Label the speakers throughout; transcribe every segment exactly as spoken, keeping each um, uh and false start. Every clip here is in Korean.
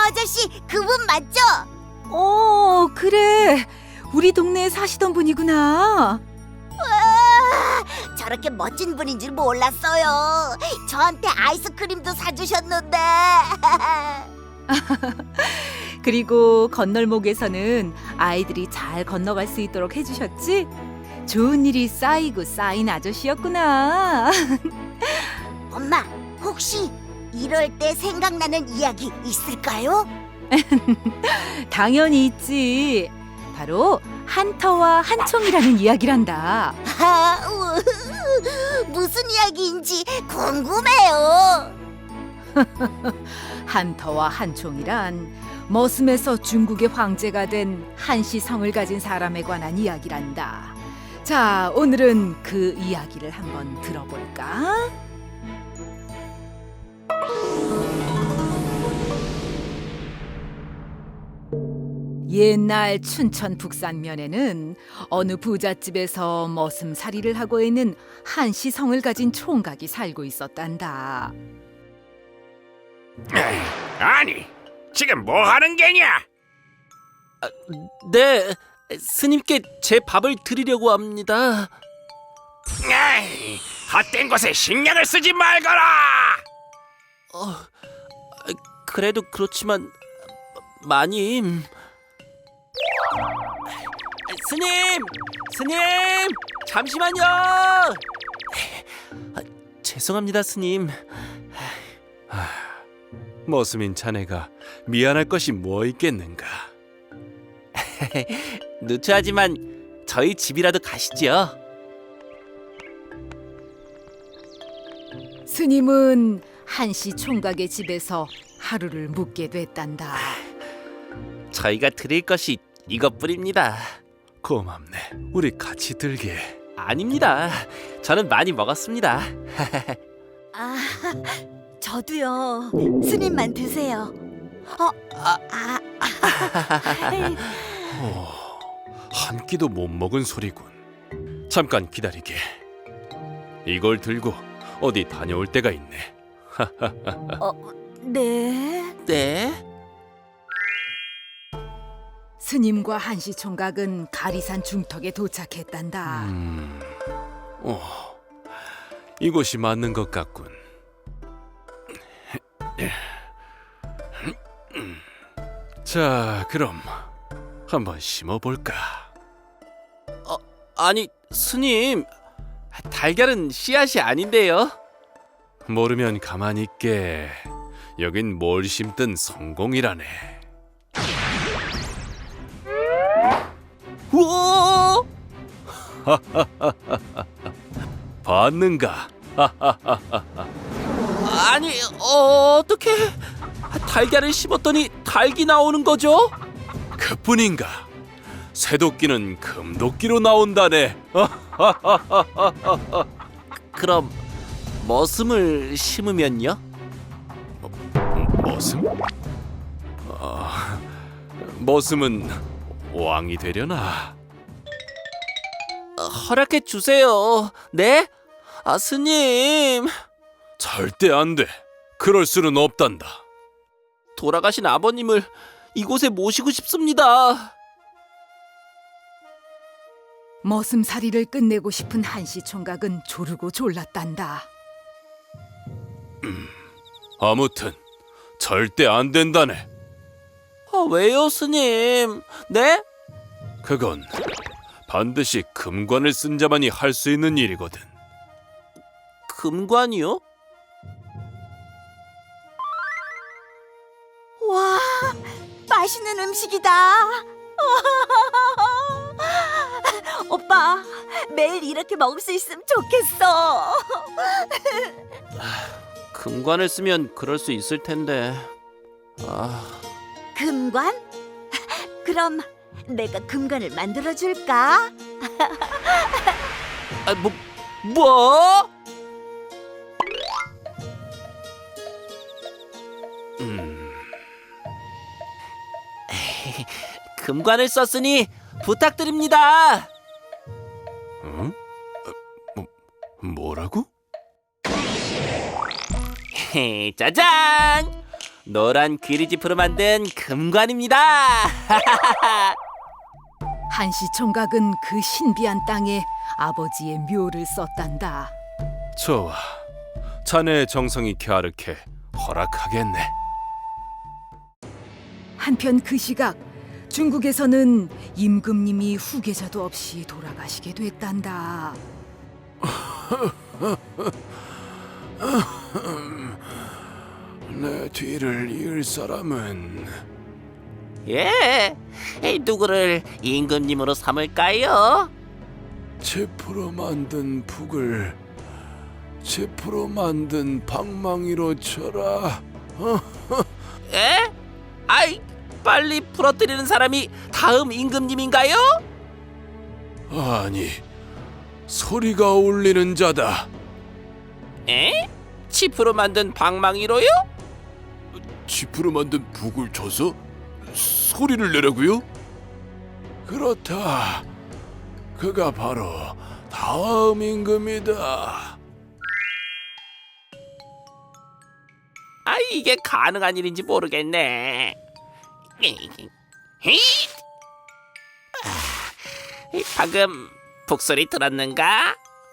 Speaker 1: 아저씨, 그분 맞죠?
Speaker 2: 어, 그래. 우리 동네에 사시던 분이구나.
Speaker 1: 와, 저렇게 멋진 분인 줄 몰랐어요. 저한테 아이스크림도 사주셨는데.
Speaker 2: 그리고 건널목에서는 아이들이 잘 건너갈 수 있도록 해주셨지? 좋은 일이 쌓이고 쌓인 아저씨였구나.
Speaker 1: 엄마, 혹시 이럴 때 생각나는 이야기 있을까요?
Speaker 2: 당연히 있지. 바로 한터와 한총이라는 이야기란다.
Speaker 1: 아, 우, 무슨 이야기인지 궁금해요.
Speaker 2: 한터와 한총이란 머슴에서 중국의 황제가 된 한시 성을 가진 사람에 관한 이야기란다. 자, 오늘은 그 이야기를 한번 들어볼까? 옛날 춘천 북산면에는 어느 부잣집에서 머슴살이를 하고 있는 한시 성을 가진 총각이 살고 있었단다.
Speaker 3: 에이, 아니, 지금 뭐 하는 게냐?
Speaker 4: 네, 스님께 제 밥을 드리려고 합니다.
Speaker 3: 에이, 헛된 곳에 신경을 쓰지 말거라.
Speaker 4: 어, 그래도 그렇지만 마님, 스님, 스님, 잠시만요. 아, 죄송합니다, 스님.
Speaker 5: 머슴인 자네가 미안할 것이 뭐 있겠는가?
Speaker 4: 누추하지만 저희 집이라도 가시죠.
Speaker 2: 스님은 한시 총각의 집에서 하루를 묵게 됐단다.
Speaker 4: 저희가 드릴 것이 이것뿐입니다.
Speaker 5: 고맙네. 우리 같이 들게.
Speaker 4: 아닙니다. 저는 많이 먹었습니다.
Speaker 1: 아, 저도요. 스님만 드세요. 어, 아, 아,
Speaker 5: 오, 한 끼도 못 먹은 소리군. 잠깐 기다리게. 이걸 들고 어디 다녀올 때가 있네.
Speaker 1: 어, 네.
Speaker 4: 네.
Speaker 2: 스님과 한시 총각은 가리산 중턱에 도착했단다.
Speaker 5: 음, 어, 이곳이 맞는 것 같군. 자, 그럼 한번 심어볼까?
Speaker 4: 아니, 스님, 달걀은 씨앗이 아닌데요.
Speaker 5: 모르면 가만히 있게. 여긴 뭘 심든 성공이라네.
Speaker 4: 우와!
Speaker 5: 봤는가?
Speaker 4: 아니, 어, 어떻게 달걀을 심었더니 닭이 나오는 거죠?
Speaker 5: 그뿐인가? 새도끼는 금도끼로 나온다네.
Speaker 4: 그럼 머슴을 심으면요?
Speaker 5: 머슴? 아, 머슴은 왕이 되려나?
Speaker 4: 어, 허락해 주세요. 네? 아, 스님.
Speaker 5: 절대 안 돼. 그럴 수는 없단다.
Speaker 4: 돌아가신 아버님을 이곳에 모시고 싶습니다.
Speaker 2: 머슴살이를 끝내고 싶은 한시 총각은 조르고 졸랐단다.
Speaker 5: 아무튼 절대 안 된다네.
Speaker 4: 아, 왜요, 스님? 네?
Speaker 5: 그건 반드시 금관을 쓴 자만이 할 수 있는 일이거든.
Speaker 4: 금관이요?
Speaker 1: 와, 맛있는 음식이다. 오빠, 매일 이렇게 먹을 수 있으면 좋겠어.
Speaker 4: 금관을 쓰면 그럴 수 있을 텐데. 아,
Speaker 1: 금관? 그럼 내가 금관을 만들어 줄까?
Speaker 4: 아, 뭐, 뭐?
Speaker 5: 음,
Speaker 4: 금관을 썼으니 부탁드립니다.
Speaker 5: 응? 어, 뭐, 뭐라고?
Speaker 4: 짜잔! 노란 귀리지프로 만든 금관입니다.
Speaker 2: 한시 총각은 그 신비한 땅에 아버지의 묘를 썼단다.
Speaker 5: 좋아. 자네의 정성이 갸륵해 허락하겠네.
Speaker 2: 한편 그 시각 중국에서는 임금님이 후계자도 없이 돌아가시게 됐단다.
Speaker 5: 내 뒤를 이을 사람은
Speaker 4: 예, 에이, 누구를 임금님으로 삼을까요?
Speaker 5: 지프로 만든 북을 지프로 만든 방망이로 쳐라.
Speaker 4: 에? 아이, 빨리 부러뜨리는 사람이 다음 임금님인가요?
Speaker 5: 아니, 소리가 울리는 자다.
Speaker 4: 에? 치프로 만든 방망이로요?
Speaker 5: 지프로 만든 북을 쳐서 소리를 내라고요? 그렇다. 그가 바로 다음 임금이다.
Speaker 4: 아, 이게 가능한 일인지 모르겠네. 히잇! 아, 방금 북소리 들었는가?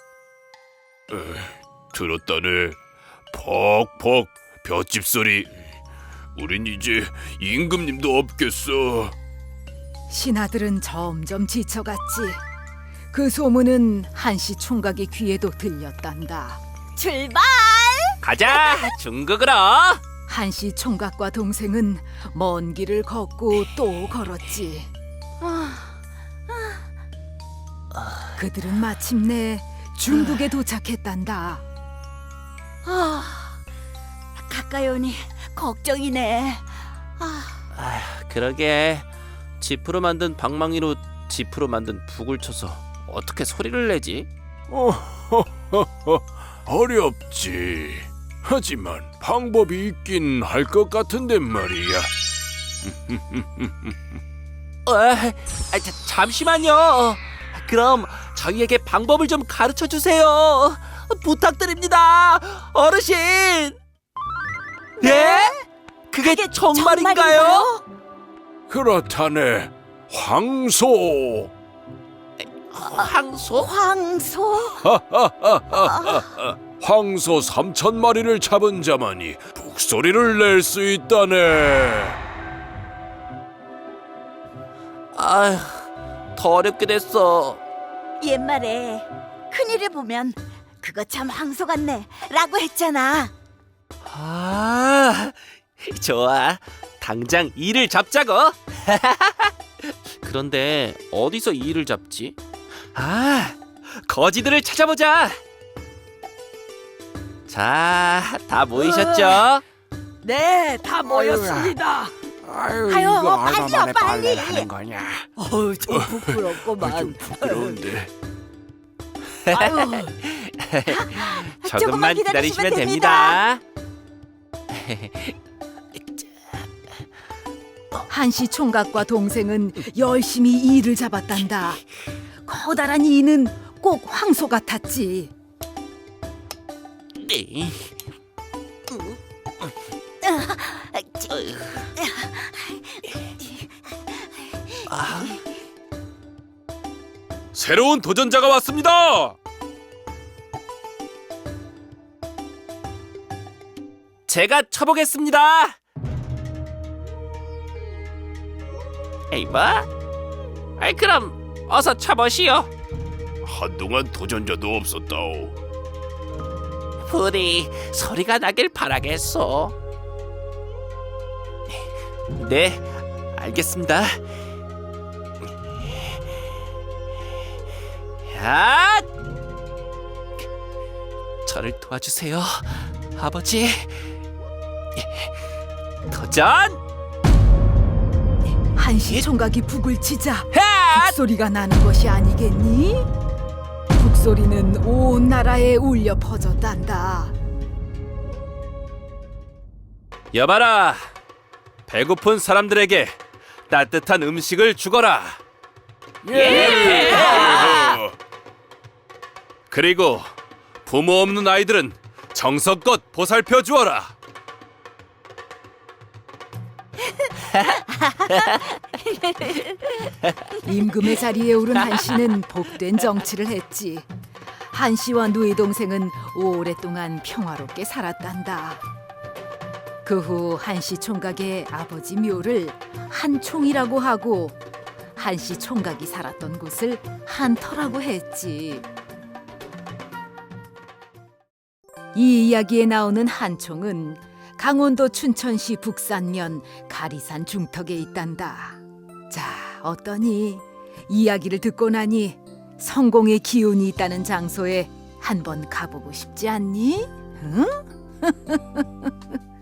Speaker 5: 들었다네. 퍽퍽 볏짚 소리. 우린 이제 임금님도 없겠어.
Speaker 2: 신하들은 점점 지쳐갔지. 그 소문은 한시 총각의 귀에도 들렸단다.
Speaker 1: 출발!
Speaker 4: 가자, 중국으로.
Speaker 2: 한시 총각과 동생은 먼 길을 걷고 또 걸었지. 그들은 마침내 중국에 도착했단다.
Speaker 1: 아, 가까이 오니 걱정이네. 아,
Speaker 4: 아, 그러게. 지프로 만든 방망이로 지프로 만든 북을 쳐서 어떻게 소리를 내지?
Speaker 5: 어렵지. 하지만 방법이 있긴 할 것 같은데 말이야.
Speaker 4: 어, 아, 자, 잠시만요. 그럼 저희에게 방법을 좀 가르쳐 주세요. 부탁드립니다, 어르신. 예? 그게,
Speaker 1: 그게
Speaker 4: 정말인가요?
Speaker 5: 그렇다네. 황소.
Speaker 4: 황소?
Speaker 1: 황소?
Speaker 5: 황소 삼천 마리를 잡은 자만이 북소리를 낼 수 있다네.
Speaker 4: 아휴, 더 어렵게 됐어.
Speaker 1: 옛말에 큰일을 보면 그거 참 황소 같네 라고 했잖아.
Speaker 4: 아, 좋아. 당장 이를 잡자고. 그런데 어디서 이를 잡지? 아, 거지들을 찾아보자. 자, 다 모이셨죠?
Speaker 1: 네, 다 모였습니다.
Speaker 3: 아유,
Speaker 1: 아유,
Speaker 3: 이거
Speaker 1: 빨리요,
Speaker 3: 얼마 만에
Speaker 1: 빨리.
Speaker 3: 빨래를 하는 거냐?
Speaker 1: 어우, 좀 부끄럽구만.
Speaker 5: 부끄러운데.
Speaker 1: 아유,
Speaker 4: 조금만 기다리시면 됩니다.
Speaker 2: 한시 총각과 동생은 열심히 이를 잡았단다. 커다란 이는 꼭 황소 같았지.
Speaker 4: 네.
Speaker 5: 새로운 도전자가 왔습니다.
Speaker 4: 제가 쳐보겠습니다. 에이, 뭐? 아이, 그럼 어서 쳐보시오.
Speaker 5: 한동안 도전자도 없었다오.
Speaker 4: 부디 소리가 나길 바라겠소. 네, 알겠습니다. 야! 저를 도와주세요, 아버지. 도전!
Speaker 2: 한시 총각이 북을 치자
Speaker 4: 야!
Speaker 2: 북소리가 나는 것이 아니겠니? 북소리는 온 나라에 울려 퍼졌단다.
Speaker 5: 여봐라. 배고픈 사람들에게 따뜻한 음식을 주거라.
Speaker 4: 예!
Speaker 5: 그리고 부모 없는 아이들은 정성껏 보살펴 주어라.
Speaker 2: 임금의 자리에 오른 한씨는 복된 정치를 했지. 한씨와 누이 동생은 오랫동안 평화롭게 살았단다. 그 후 한씨 총각의 아버지 묘를 한총이라고 하고 한씨 총각이 살았던 곳을 한터라고 했지. 이 이야기에 나오는 한총은 강원도 춘천시 북산면 가리산 중턱에 있단다. 자, 어떠니? 이야기를 듣고 나니 성공의 기운이 있다는 장소에 한번 가보고 싶지 않니? 응?